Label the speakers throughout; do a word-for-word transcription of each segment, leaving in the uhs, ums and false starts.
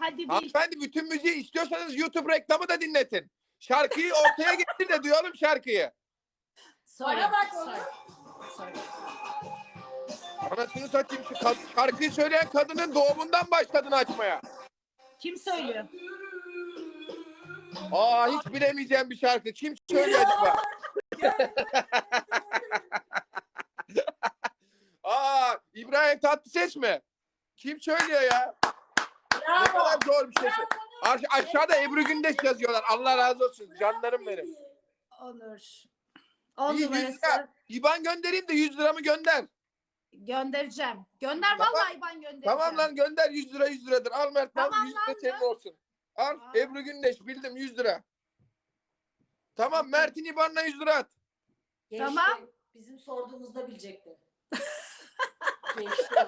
Speaker 1: Hadi bil.
Speaker 2: Hanımefendi bütün müziği istiyorsanız YouTube reklamı da dinletin. Şarkıyı ortaya getir de duyalım şarkıyı.
Speaker 1: Söyle.
Speaker 3: Bana bak
Speaker 1: Söyle.
Speaker 3: oğlum.
Speaker 1: Söyle.
Speaker 2: Anasını satayım şu kad- şarkıyı söyleyen kadının doğumundan başladın açmaya.
Speaker 1: Kim söylüyor?
Speaker 2: Aa hiç bilemeyeceğim bir şarkı. Kim söylüyor acaba? Aa İbrahim Tatlıses mi? Kim söylüyor ya? Ne
Speaker 3: Bravo.
Speaker 2: kadar zor bir şey. Aş- aşağıda Ebru Gündeş yazıyorlar. Allah razı olsun. Canlarım benim.
Speaker 1: Onur. On
Speaker 2: İyi, yüz
Speaker 1: numarası.
Speaker 2: lira. İban göndereyim de yüz liramı gönder.
Speaker 1: Göndereceğim. Gönder
Speaker 2: Tamam.
Speaker 1: vallahi ben göndereceğim.
Speaker 2: Tamam lan gönder yüz lira yüz liradır. Al Mert al
Speaker 1: Tamam
Speaker 2: yüz
Speaker 1: lan,
Speaker 2: lira senin olsun. Al
Speaker 1: Aa.
Speaker 2: Ebru Gündeş bildim yüz lira. Tamam Mert'in İban'la yüz lira at.
Speaker 3: Geçti.
Speaker 1: Tamam.
Speaker 3: Bizim sorduğumuzda bilecekti. Geçti.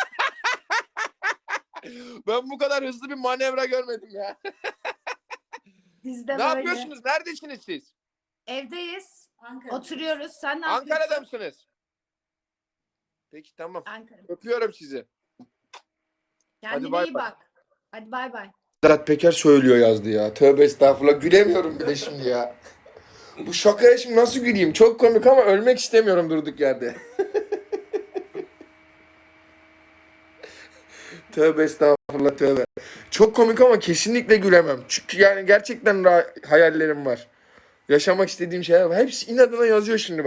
Speaker 2: Ben bu kadar hızlı bir manevra görmedim ya.
Speaker 1: Bizde
Speaker 2: Ne
Speaker 1: böyle.
Speaker 2: yapıyorsunuz? Neredesiniz siz?
Speaker 1: Evdeyiz.
Speaker 3: Ankara.
Speaker 1: Oturuyoruz. Sen ne
Speaker 2: Ankara'da
Speaker 1: yapıyorsun?
Speaker 2: mısınız? Peki tamam.
Speaker 1: Ankara.
Speaker 2: Öpüyorum sizi.
Speaker 1: Kendine
Speaker 2: bay
Speaker 1: iyi
Speaker 2: bay.
Speaker 1: bak. Hadi bay bay.
Speaker 2: Sedat Peker söylüyor yazdı ya. Tövbe estağfurullah. Gülemiyorum bile şimdi ya. Bu şakaya şimdi nasıl güleyim? Çok komik ama ölmek istemiyorum durduk yerde. Tövbe estağfurullah tövbe. Çok komik ama kesinlikle gülemem. Çünkü yani gerçekten ra- hayallerim var. Yaşamak istediğim şeyler var. Hepsi inadına yazıyor şimdi.